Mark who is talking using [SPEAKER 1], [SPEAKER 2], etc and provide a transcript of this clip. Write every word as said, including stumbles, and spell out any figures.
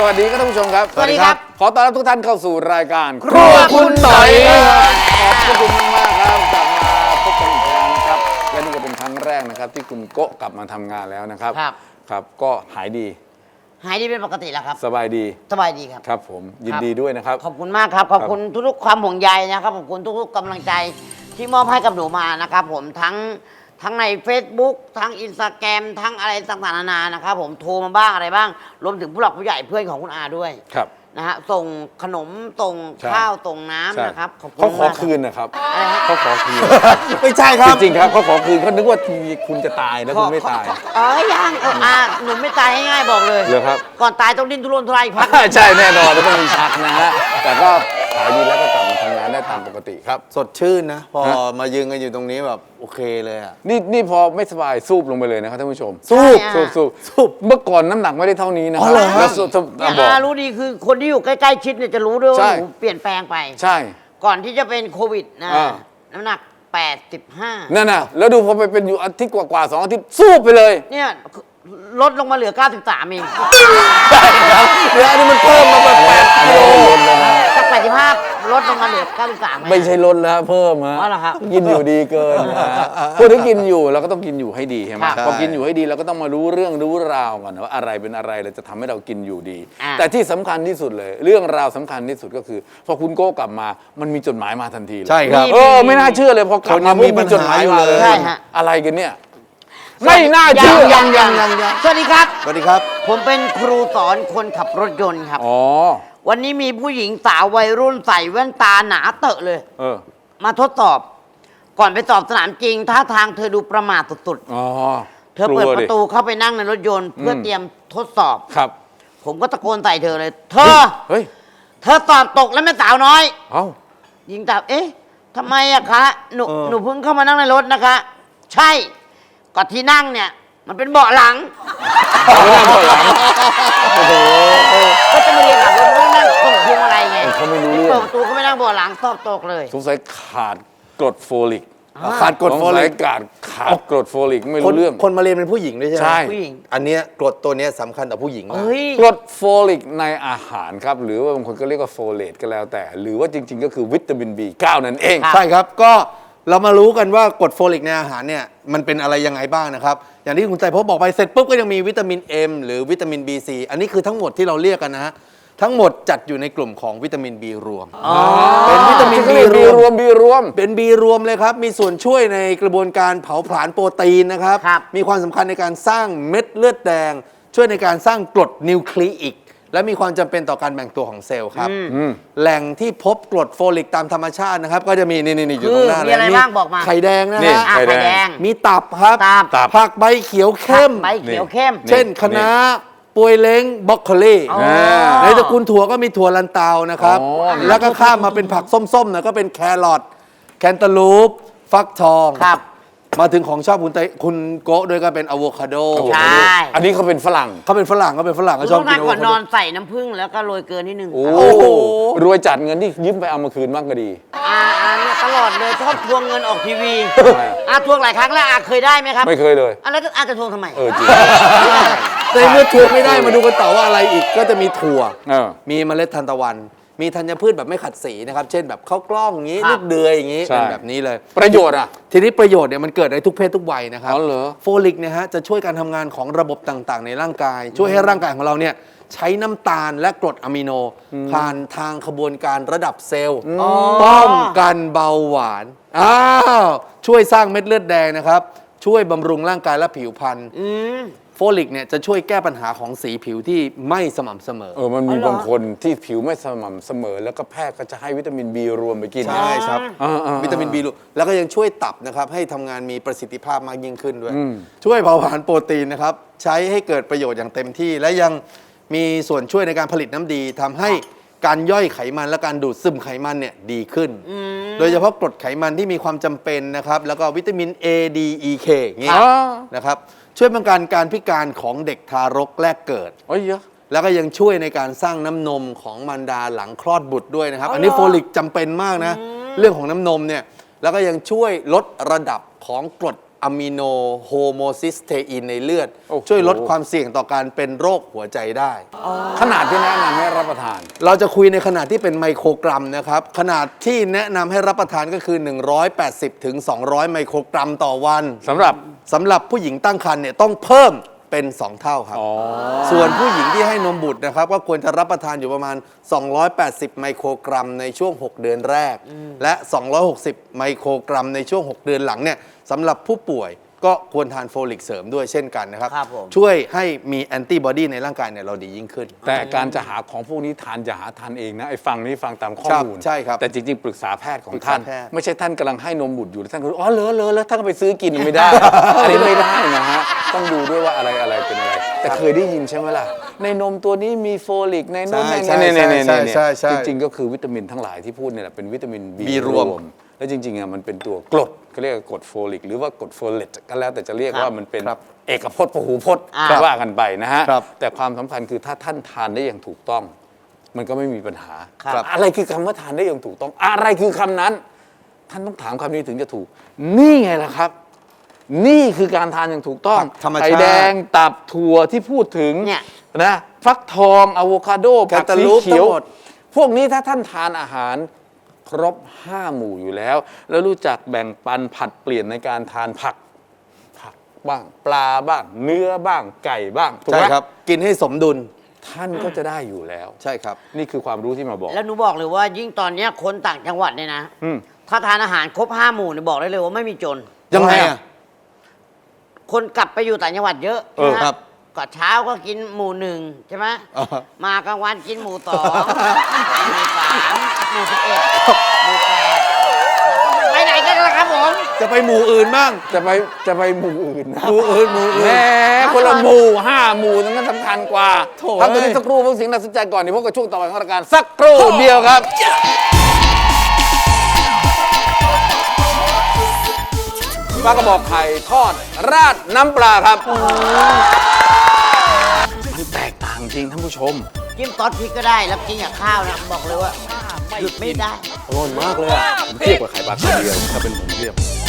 [SPEAKER 1] สวัสดีครับท่านผู้ชมครับ
[SPEAKER 2] สวัสดีครับ
[SPEAKER 1] ขอต้อนรับทุกท่านเข้าสู่รายการ
[SPEAKER 2] ครัวคุณต่อย
[SPEAKER 1] ขอบคุณมากๆครับกลับมาพบกันอีกครั้งนะครับและนี่ก็เป็นครั้งแรกนะครับที่คุณโกะกลับมาทำงานแล้วนะครับ
[SPEAKER 2] ครับ
[SPEAKER 1] ครับก็หายดี
[SPEAKER 2] หายดีเป็นปกติแล้วครับ
[SPEAKER 1] สบายดี
[SPEAKER 2] สบายดีครับ
[SPEAKER 1] ครับผมยินดีด้วยนะครับ
[SPEAKER 2] ขอบคุณมากครับขอบคุณทุกๆความห่วงใยนะครับขอบคุณทุกๆกำลังใจที่มอบให้กับหนูมานะครับผมทั้งทั้งใน Facebook ทั้ง Instagram ทั้งอะไรต่างๆนานานะครับผมโทรมาบ้างอะไรบ้างรวมถึงผู้หลักผู้ใหญ่เพื่อนของคุณอาด้วย
[SPEAKER 1] ครับ
[SPEAKER 2] นะฮะส่งขนมส่งข้าวส่งน้ำนะครับ
[SPEAKER 1] เขาขอคืนนะครับเขาขอคืน
[SPEAKER 3] ไม่ใช่ครับ
[SPEAKER 1] จริงๆครับเขาขอคืนเขานึกว่าทีคุณจะตายแล้วคุณไม่ตาย
[SPEAKER 2] เออยังเอออาหนูไม่ตายง่ายๆบอกเลย
[SPEAKER 1] เลยครับ
[SPEAKER 2] ก่อนตายต้องดิ้นทุรนทุรายพัก
[SPEAKER 1] ใช่แน่นอนต้องมีชักนะฮะแต่ก็หายดีแล้วก็กลับมาทำงานได้ตามปกติครับ
[SPEAKER 3] สดชื่นนะพอมายืนกันอยู่ตรงนี้แบบโอเคเลยอ่ะ
[SPEAKER 1] นี่นี่พอไม่สบายสูบลงไปเลยนะครับท่านผู้ชม
[SPEAKER 3] สูบ
[SPEAKER 1] สูบสูบสูบเมื่อก่อนน้ำหนักไม่ได้เท่านี้นะ
[SPEAKER 3] แล้ว
[SPEAKER 1] สูบ
[SPEAKER 2] บอกรู้ดีคือคนที่อยู่ใกล้ๆชิดเนี่ยจะรู้ด้วยว่าหนูเปลี่ยนแปลงไป
[SPEAKER 1] ใช่
[SPEAKER 2] ก่อนที่จะเป็นโควิดนะน้ำหนักแปดสิบห้า
[SPEAKER 1] นั่นน่ะแล้วดูพอไปเป็นอยู่อาทิตย์กว่าๆสองอาทิตย์สูบไปเลย
[SPEAKER 2] เนี่ยลดลงมาเหลือเก้าสิบสามเอง
[SPEAKER 1] ใช่ครับเดี๋ยวนี้มันเพิ่มมาแบบแปดกิโล
[SPEAKER 2] จากแปดสิบห้าลดลงมาเหลือเก้าสิบสาม
[SPEAKER 1] ไม่ใช่ลดแล้วเพิ่มฮะกินอยู่ดีเกินพูดถึงกินอยู่เราก็ต้องกินอยู่ให้ดีใช่ไหมพอกินอยู่ให้ดีเราก็ต้องมารู้เรื่องรู้ราวก่อนว่าอะไรเป็นอะไรเราจะทำให้เรากินอยู่ดีแต่ที่สำคัญที่สุดเลยเรื่องราวสำคัญที่สุดก็คือพอคุณโก้กลับมามันมีจดหมายมาทันที
[SPEAKER 3] ใช่ครับ
[SPEAKER 1] เออไม่น่าเชื่อเลยพอกลับมามีจดหมายมาเลยอะไรกันเนี่ยไม่น่าเชื่อ
[SPEAKER 2] ยังยังยังสวัสดีครับ
[SPEAKER 3] สวัสดีครับ
[SPEAKER 2] ผมเป็นครูสอนคนขับรถยนต์ครับ
[SPEAKER 1] อ๋อ
[SPEAKER 2] วันนี้มีผู้หญิงสาววัยรุ่นใส่แว่นตาหนาเตอะเลย
[SPEAKER 1] เออ
[SPEAKER 2] มาทดสอบก่อนไปสอบสนามจริงท่าทางเธอดูประมาทสุด
[SPEAKER 1] ๆอ๋อ
[SPEAKER 2] เธอเปิดประตูเข้าไปนั่งในรถยนต์เพื่อเตรียมทดสอบ
[SPEAKER 1] ครับ
[SPEAKER 2] ผมก็ตะโกนใส่เธอเลยเธอ
[SPEAKER 1] เฮ้ย
[SPEAKER 2] เธอสอบตกแล้วแม่สาวน้อย
[SPEAKER 1] เอ้า
[SPEAKER 2] หญิงตอบเอ๊ะทำไมอะคะหนูหนูเพิ่งเข้ามานั่งในรถนะคะใช่ก็ที่นั่งเนี่ยมันเป็นเบาะหลัง
[SPEAKER 1] ไม่นั่งเบาะหลังโอ้โห
[SPEAKER 2] ก็จะมาเรียนหลังรถไม่นั่งตรงพวงอะไรไง
[SPEAKER 1] เขาไม่รู้เรื่อง
[SPEAKER 2] เปิดประตูเขาไม่นั่งเบาะหลังสอบตกเลย
[SPEAKER 1] สงสัยขาดกรดโฟลิก
[SPEAKER 3] ขาดกรดโฟลิก
[SPEAKER 1] ขาดขาดกรดโฟลิกไม่รู้เรื่อง
[SPEAKER 3] คนมาเรียนเป็นผู้หญิงด้วยใช่ไหม
[SPEAKER 1] ใช่
[SPEAKER 2] ผู้หญิง
[SPEAKER 3] อันเนี้ยกรดตัวเนี้ยสำคัญต่อผู้หญิงมาก
[SPEAKER 1] กรดโฟลิกในอาหารครับหรือว่าบางคนก็เรียกว่าโฟเลตก็แล้วแต่หรือว่าจริงๆก็คือวิตามิน บี เก้า นั่นเอง
[SPEAKER 3] ใช่ครับก็เรามารู้กันว่ากรดโฟลิกในอาหารเนี่ยมันเป็นอะไรยังไงบ้างนะครับอย่างที่คุณใจพบบอกไปเสร็จปุ๊บก็ยังมีวิตามิน เอ็ม หรือวิตามิน บี ซี อันนี้คือทั้งหมดที่เราเรียกกันนะฮะทั้งหมดจัดอยู่ในกลุ่มของวิตามิน B รวมเป็นวิตามิน B
[SPEAKER 1] รวม B รวม
[SPEAKER 3] เป็น B รวมเลยครับมีส่วนช่วยในกระบวนการเผาผลาญโปรตีนนะครับมีความสำคัญในการสร้างเม็ดเลือดแดงช่วยในการสร้างกรดนิวคลีอิกและมีความจำเป็นต่อการแบ่งตัวของเซลล์ครับแหล่งที่พบกรดโฟลิกตามธรรมชาตินะครับก็จะมีนี่ๆอยู่ตรงหน้าเลย
[SPEAKER 2] มี
[SPEAKER 3] ไข่แดงนะฮะ
[SPEAKER 2] ไข่แดง
[SPEAKER 3] มีตับครับผักใบเขียวเข้ม
[SPEAKER 2] ใบเขียวเข้ม
[SPEAKER 3] เช่นคะน้าปวยเล้งบรอกโคลีในตระกูลถั่วก็มีถั่วลันเตานะครับแล้วก็ข้ามมาเป็นผักส้มๆนะก็เป็นแครอทแคนตาลูปฟักทองมาถึงของชอบคุณคุณโกะด้วยก็เป็นอะโวคาโด
[SPEAKER 2] ใช่
[SPEAKER 1] อันนี้เขาเป็นฝรั่ง
[SPEAKER 3] เขาเป็นฝรั่งเขาเป็นฝรั่งเขาชอบกินอะโวคาโด
[SPEAKER 2] ก่อนนอนใส่น้ำผึ้งแล้วก็โรยเกลือนิดนึง
[SPEAKER 1] โอ้โหรวยจัดเงินที่ยืมไปเอามาคืนบ้างก็ดี
[SPEAKER 2] อ่าอ่าเนี่ยตลอดเลยชอบทวงเงินออกทีวีอาทวงหลายครั้งแล้วอาเคยได้ไหมครับ
[SPEAKER 1] ไม่เคยเลย
[SPEAKER 2] อ่ะแล้วอาจะทวงทำไม
[SPEAKER 1] เออจริง
[SPEAKER 3] ในเมื่อทวงไม่ได้มาดูกันต่อว่าอะไรอีกก็จะมีถั่วมีเมล็ดทานตะวันมีธัญพืชแบบไม่ขัดสีนะครับเช่นแบบข้าวกล้องอย่างนี้ลูกเดือยอย่างนี้เป็นแบบนี้เลย
[SPEAKER 1] ประโยชน์อ่ะ
[SPEAKER 3] ทีนี้ประโยชน์เนี่ยมันเกิดในทุกเพศทุกวัยนะครับ
[SPEAKER 1] อ๋อเหรอ
[SPEAKER 3] โฟลิกเนี่ยฮะจะช่วยการทำงานของระบบต่างๆในร่างกายช่วยให้ร่างกายของเราเนี่ยใช้น้ำตาลและกรดอะมิโนผ่านทางขบวนการระดับเซลล์ป้องกันเบาหวานอ้าวช่วยสร้างเม็ดเลือดแดงนะครับช่วยบำรุงร่างกายและผิวพรรณโฟลิกเนี่ยจะช่วยแก้ปัญหาของสีผิวที่ไม่สม่ำเสมอ
[SPEAKER 1] เออมันมีบางคนที่ผิวไม่สม่ำเสมอแล้วก็แพทย์ก็จะให้วิตามิน B รวมไปกิน
[SPEAKER 3] ใช่ครับวิตามิน B รวมแล้วก็ยังช่วยตับนะครับให้ทำงานมีประสิทธิภาพมากยิ่งขึ้นด้วยช่วยเผาผลาญโปรตีนนะครับใช้ให้เกิดประโยชน์อย่างเต็มที่และยังมีส่วนช่วยในการผลิตน้ำดีทำให้การย่อยไขมันและการดูดซึมไขมันเนี่ยดีขึ้นโดยเฉพาะกรดไขมันที่มีความจำเป็นนะครับแล้วก็วิตามิน A D E K อย่างนี้นะครับช่วยป้องกันการพิการของเด็กทารกแรกเกิด
[SPEAKER 1] โอ้ยเยอะ
[SPEAKER 3] แล้วก็ยังช่วยในการสร้างน้ำนมของมารดาหลังคลอดบุตรด้วยนะครับอันนี้โฟลิกจำเป็นมากนะเรื่องของน้ำนมเนี่ยแล้วก็ยังช่วยลดระดับของกรดอะมิโนโฮโมซิสเตอินในเลือด
[SPEAKER 1] โอ้โห
[SPEAKER 3] ช่วยลดความเสี่ยงต่อการเป็นโรคหัวใจได้
[SPEAKER 1] ขนาดที่แนะนำให้รับประทาน
[SPEAKER 3] เราจะคุยในขนาดที่เป็นไมโครกรัมนะครับ ขนาดที่แนะนำให้รับประทานก็คือ หนึ่งร้อยแปดสิบถึงสองร้อย ไมโครกรัมต่อวัน
[SPEAKER 1] สำหรับ
[SPEAKER 3] สำหรับผู้หญิงตั้งครรภ์เนี่ยต้องเพิ่มเป็น สอง เท่าครับ
[SPEAKER 1] อ๋อ
[SPEAKER 3] ส่วนผู้หญิงที่ให้นมบุตรนะครับก็ควรจะรับประทานอยู่ประมาณ สองร้อยแปดสิบ ไมโครกรัมในช่วง หก เดือนแรก และ สองร้อยหกสิบ ไมโครกรัมในช่วง หก เดือนหลังเนี่ยสำหรับผู้ป่วยก็ควรทานโฟลิกเสริมด้วยเช่นกันนะครับ
[SPEAKER 2] ครับผม
[SPEAKER 3] ช่วยให้มีแอนติบอดีในร่างกายเนี่ยเราดียิ่งขึ้น
[SPEAKER 1] แต่การจะหาของพวกนี้ทานจะหาทานเองนะไอ้ฟังนี้ฟังตามข้อ
[SPEAKER 3] ครับ
[SPEAKER 1] มูล
[SPEAKER 3] ใช่ครับ
[SPEAKER 1] แต่จริงๆ ปรึกษาแพทย์ของ
[SPEAKER 3] ปรึกษา
[SPEAKER 1] ท่าน
[SPEAKER 3] แพทย์
[SPEAKER 1] ไม่ใช่ท่านกำลังให้นมบุตรอยู่แล้วท่านก็รู้อ๋อเลอะเลอะแล้วท่านก็ไปซื้อกินไม่ได้ อันนี้ไม่ได้นะฮะต้องดูด้วยว่าอะไรอะไรเป็นอะไร แต่เคยได้ยินใช่ไหมล่ะในนมตัวนี้มีโฟลิกในนม
[SPEAKER 3] ใช่
[SPEAKER 1] ใน
[SPEAKER 3] ใช่
[SPEAKER 1] ในในใน
[SPEAKER 3] ใช่ใช่ใช่
[SPEAKER 1] จริงๆก็คือวิตามินทั้งหลายที่พูดเนี่ยแหละเป็นวิตามิน B
[SPEAKER 3] B รวม
[SPEAKER 1] แล้วจริงๆอ่ะมันเป็นตัวกรดเขาเรียกว่ากรดโฟลิกหรือว่ากรดโฟเลตก็แล้วแต่จะเรียก
[SPEAKER 2] ครับ
[SPEAKER 1] ว่ามันเป็น
[SPEAKER 3] ครับ
[SPEAKER 1] เอกพจน์พหูพจน์
[SPEAKER 2] อ่า
[SPEAKER 1] ว่ากันไปนะฮะ
[SPEAKER 3] ครับ
[SPEAKER 1] แต่ความสำคัญคือถ้าท่านทานได้อย่างถูกต้อง มันก็ไม่มีปัญหา
[SPEAKER 2] ครับ
[SPEAKER 1] อะไรคือคำว่าทานได้อย่างถูกต้อง อะไรคือคำนั้น ท่านต้องถามคำนี้ถึงจะถูก นี่ไงล่ะครับ นี่คือการทานอย่างถูกต้อง
[SPEAKER 3] ธรรมชาติ
[SPEAKER 1] ไข่แดงตับถั่วที่พูดถึง
[SPEAKER 2] เนี่ย
[SPEAKER 1] นะฟักทองอะโวคาโดผัก
[SPEAKER 3] แคนตา
[SPEAKER 1] สี
[SPEAKER 3] ลูป
[SPEAKER 1] เขียว
[SPEAKER 3] ทั้งหมด
[SPEAKER 1] พวกนี้ถ้าท่านทานอาหารครบห้าหมู่อยู่แล้ว แล้วรู้จักแบ่งปันผัดเปลี่ยนในการทานผัก ผักบ้างปลาบ้าง เนื้อบ้างไก่บ้างถูก
[SPEAKER 3] ใช่
[SPEAKER 1] ไหม
[SPEAKER 3] ครับ กินให้สมดุล
[SPEAKER 1] ท่านก็จะได้อยู่แล้ว
[SPEAKER 3] ใช่ครับ
[SPEAKER 1] นี่คือความรู้ที่มาบอก
[SPEAKER 2] แล้วหนูบอกเลยว่ายิ่งตอนเนี้ยคนต่างจังหวัดเนี่ยนะ
[SPEAKER 1] อืม
[SPEAKER 2] ถ้าทานอาหารครบห้าหมู่เนี่ยบอกได้เลยว่าไม่มีจน
[SPEAKER 3] ยังไงอ่ะ
[SPEAKER 2] คนกลับไปอยู่ต่างจังหวัดเยอะ
[SPEAKER 1] เออ
[SPEAKER 2] นะครับ ก่อนเช้าก็กินหมู่หนึ่งใช่ไหม
[SPEAKER 3] อ่าฮะ
[SPEAKER 2] มากลางวันกินหมู่สองหมู่สามหมู่สิบเอ็ดหมู่แปดไปไหนกันล่ะครับผม
[SPEAKER 3] จะไปหมู่อื่นบ้าง
[SPEAKER 1] จะไปจะไปหมู่อื่นนะ
[SPEAKER 3] หมู่อื่นหมู่
[SPEAKER 1] แห
[SPEAKER 3] อื่น
[SPEAKER 1] มคนละหมู่ห้าหมู่นั้นสำคัญกว่า
[SPEAKER 3] โถ่
[SPEAKER 1] พักตัวนี้สักครู่เพื่อสิ่งน่าสนใจก่อนเดี๋ยวพบกับช่วงต่อไปของรายการสักครู่เดียวครับปลากระบอกไข่ทอดราดน้ำปลาครับนี่แตกต่างจริงท่านผู้ชม
[SPEAKER 2] จิ้มซอสพริกก็ได้แล้วกินกับข้าวนะบอกเลยว่าหยุดไม่ได้
[SPEAKER 3] อร่อยมากเลยอ่ะ
[SPEAKER 1] ผมเทียบกับไข่ปลาคาเวียร์ถ้าเป็นผมเทียบ